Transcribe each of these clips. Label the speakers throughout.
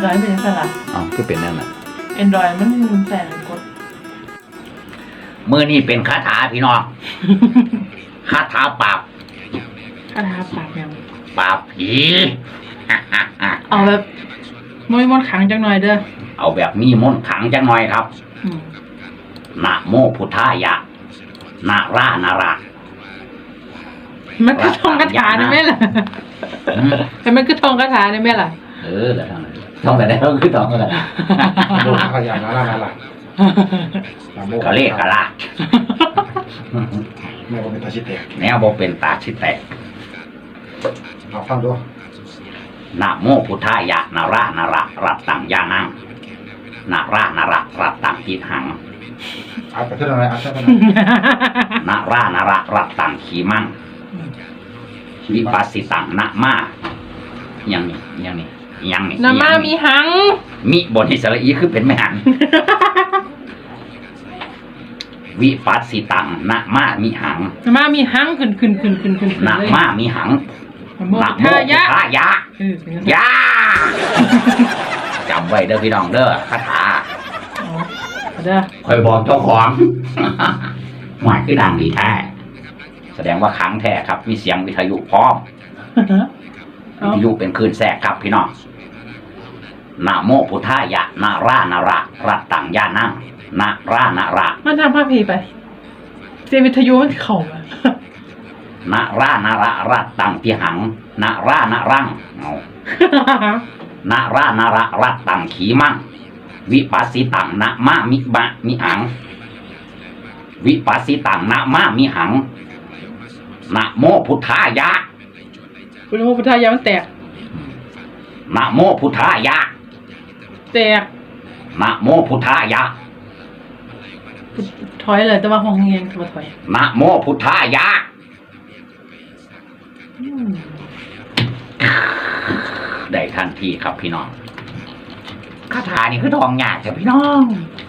Speaker 1: Android เป็นยังไงล่ะ
Speaker 2: ก็เป็นนั่นแหละ
Speaker 1: Android มันแต่กด
Speaker 3: มือนี่เป็นคาถาพี่น้องคาถาปราบ
Speaker 1: ยัง
Speaker 3: ปราบผี
Speaker 1: เอาแบบมนต์ขังจังหน่อยเด้อ
Speaker 3: เอาแบบมีมนต์ขังจังหน่อยครับนะโมพุทธายะนารานารา
Speaker 1: มันคือท่องคาถาได้ไหมล่ะแต่มันคือท่องคาถาได้ไหมล่ะ
Speaker 3: แล้วท่องไปได้ก็คือท่องอะไร
Speaker 2: โมขยันนารานารา
Speaker 3: ก็เลขกะละ
Speaker 2: แม่บอกเป็นตาชิแตก
Speaker 3: แนวบอกเป็นตาชิแตก
Speaker 2: เอาฟังดู
Speaker 3: นะโมพุทธายะนารานารารัตตังยานังนารานารารัตตังกิหัง
Speaker 2: เอาไปเท่าไหร่เอาเท่าไหร่
Speaker 3: นารานารารัตตังขีมังวิปัสสิตังนะมายังนี่
Speaker 1: นะมามีหัง
Speaker 3: มิบนอิสระอีคือเป็นไม่หันวิปัสสิตังนะมามีหัง
Speaker 1: นะมามีหังขึ้น
Speaker 3: นะมามีหังนะโมพุทธายะยาจำไว้เด้อพี่น้องเด้อคาถาคอยบอกเจ้าของหมายคือดังดีแท้แสดงว่าขังแท้ครับมีเสียงวิทยุพร้อมวิทยุเป็นคลื่นแทรกครับพี่น้องนะโมพุทธายะนารานารารัตตังยานังนารานารา
Speaker 1: มันทำภาพพีไปเสียงวิทยุมันเข่า
Speaker 3: นารานารารัตตังพิหังนารานารังนารานารารัตตังขีมังวิปัสสิตังนะมามิบะมิหังวิปัสสิตังนะมามิหังนะโมพุทธายะ
Speaker 1: นะโมพุทธายะมันแตก
Speaker 3: นะโมพุทธายะ
Speaker 1: แตก
Speaker 3: นะโมพุทธายะ
Speaker 1: ถอยเลยแต่ว่าห้องเงียงถอย
Speaker 3: นะโมพุทธายะได้ทันทีครับพี่น้องคาถานี่คือทองหยาดจ้ะพี่น้อง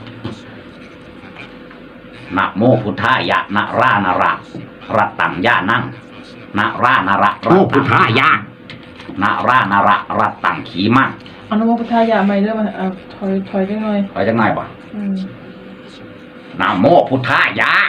Speaker 3: นะโมพุทธายะนารานารารัตตังยานังนารานาราโมพุทธายะนารานารารัตตังขีมัง
Speaker 1: เอานะโมพุทธายะไม่เด้อมาถอยจังหน่อย
Speaker 3: ป่ะนะโมพุทธายะ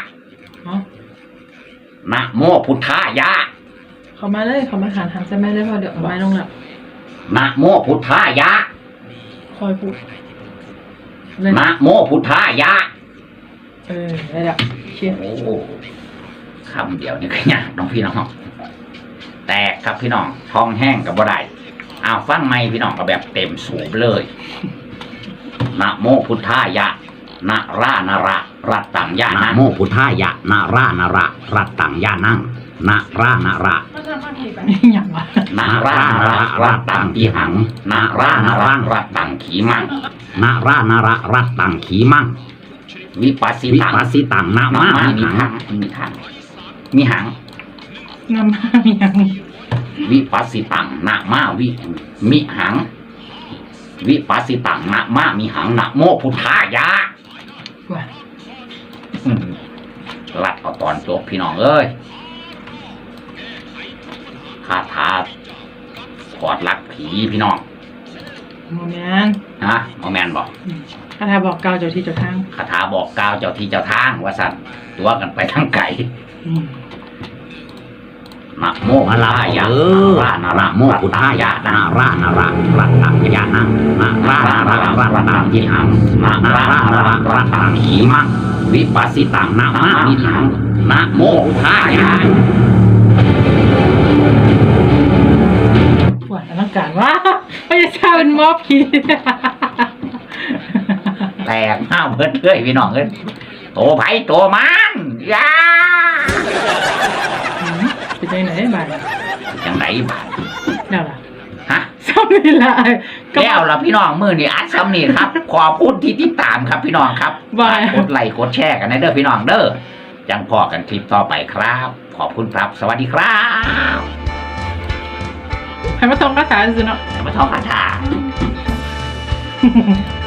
Speaker 3: นะโมพุทธายะ
Speaker 1: เขามาเลยเขามาหันใช่ไหมเลยพอเดี๋ยวไม้ลงแล้ว
Speaker 3: นะโมพุทธายะ
Speaker 1: คอยพูด
Speaker 3: นะโมพุทธายะ
Speaker 1: ได้แล้วเชี่ย
Speaker 3: โอ้คำเดียวนี่ก็ยากน้องพี่น้องแตกครับพี่น้องท้องแห้งกับบ่ได้ฟังไม่พี่น้องก็แบบเต็มสูบเลยนะโมพุทธายะนารานารารัตตังยานังนะโมพุทธายะนารานารารัตตังยานังนารานารานารานารารัตตังปีหังนารานารารัตตังขีมังนารานารารัตตังขีมังวิปัสสิตังนามามีหังมีหัง
Speaker 1: นามามีหัง
Speaker 3: วิปัสสิตังนามามิหังวิปัสสิตังนามามีหังนะโมพุทธายะรัดเอาตอนจบพี่น้องเอ้ยคาถาถอดลักผีพี่น้อง
Speaker 1: โมแมน
Speaker 3: โมแมนบอก
Speaker 1: คาถาบอกกล่าวเจ้าที่เจ้าทาง
Speaker 3: คาถาบอกกล่าวเจ้าที่เจ้าทางว่าสั่นตัวกันไปทั้งไก่นะโมพุทธายะนะโมพุทธายะนารานารารัตตังยานังนารานารารัตตังยิหังนารานารารัตตังขีมังวิปัสสิตังนามามิหังนะโมพุทธายะ
Speaker 1: ปวดอลังการว่าไม่ใช่ชาเป็นมอผี
Speaker 3: แตกห้าวเบิดเลยพี่น้องเอ้ยโตไผ่โตมันยา
Speaker 1: เป็นยังไงบ้าง
Speaker 3: ยังไงบ้าง
Speaker 1: แล้วล่ะซ้ำนี่ละ
Speaker 3: แล้วล่ะพี่น้องมือนี่อัดซ้ำนี่ครับขอพูดที่ติดตามครับพี่น้องครับกดไลค์กดแชร์กันนะเด้อพี่น้องเด้อจังพอกันคลิปต่อไปครับขอบคุณครับสวัสดีครับ
Speaker 1: ให้มาท่องคาถาสิเนาะ
Speaker 3: ให้มาท่องคาถา